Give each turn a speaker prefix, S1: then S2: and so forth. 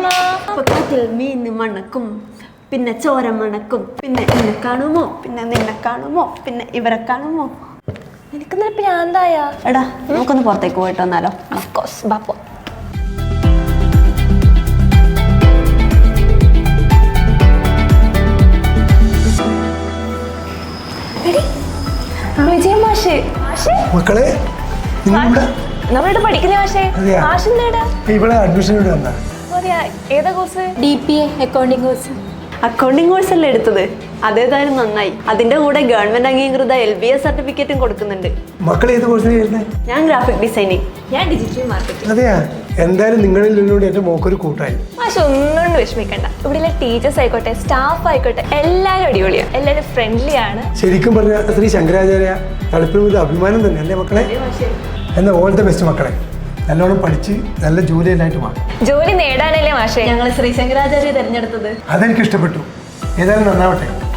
S1: കാറ്റിൽ മീൻ മണക്കും, പിന്നെ ചോര മണക്കും, പിന്നെ എന്നെ കാണുമോ, പിന്നെ നിന്നെ കാണുമോ, പിന്നെ ഇവരെ കാണുമോ.
S2: എനിക്കെന്താ പ്രാന്തായ?
S1: എടാ നമുക്കൊന്ന് പുറത്തേക്ക് പോയിട്ട് വന്നാലോ?
S2: ഓഫ്കോഴ്സ് ബാപ്പോ. വിജയ മാഷേ,
S3: മക്കളെ
S2: നമ്മളിവിടെ പഠിക്കുന്ന മാഷേ. മാഷ് എന്താ
S3: ഇവിടെ അഡ്മിഷൻ വന്നാ?
S2: ഏതാ course?
S4: DPA accounting course.
S1: Accounting course അല്ലേ എടുത്തത്? അതേതായാലും നന്നായി. അതിന്റെ കൂടെ ഗവൺമെന്റ് അംഗീകൃത LBA സർട്ടിഫിക്കറ്റും കൊടുക്കുന്നുണ്ട്.
S3: മക്കൾ ഏത് കോഴ്സിന് ചേരുന്നത്?
S1: ഞാൻ ഗ്രാഫിക് ഡിസൈനിങ്.
S4: ഞാൻ ഡിജിറ്റൽ മാർക്കറ്റിംഗ്.
S3: അതെയാ, എന്തായാലും നിങ്ങളിൽ നിന്നോട് എന്റെ മോക്കൊരു കൂട്ടായി.
S2: മാഷ് ഒന്നും വിഷമിക്കണ്ട. ഇവിടെയുള്ള ടീച്ചേഴ്സ് ആയിക്കോട്ടെ, സ്റ്റാഫ് ആയിക്കോട്ടെ, എല്ലാവരും അടിപൊളിയാണ്, എല്ലാവരും ഫ്രണ്ട്ലി ആണ്.
S3: ശരിക്കും പറഞ്ഞ ശ്രീ ശങ്കരാചാര്യ തളിപ്പിൽ ഒരു അഭിമാനം തന്നെ അല്ലേ മക്കളെ? എന്നാൽ ഓൾ ദ ബെസ്റ്റ് മക്കളെ. നല്ലോണം പഠിച്ച് നല്ല ജോലിയിലായിട്ട് മാറും.
S2: ജോലി നേടാനല്ലേ മാഷേ
S1: ഞങ്ങൾ ശ്രീ ശങ്കരാചാര്യ തിരഞ്ഞെടുത്തത്.
S3: അതെനിക്ക് ഇഷ്ടപ്പെട്ടു. ഏതായാലും നന്നാവട്ടെ.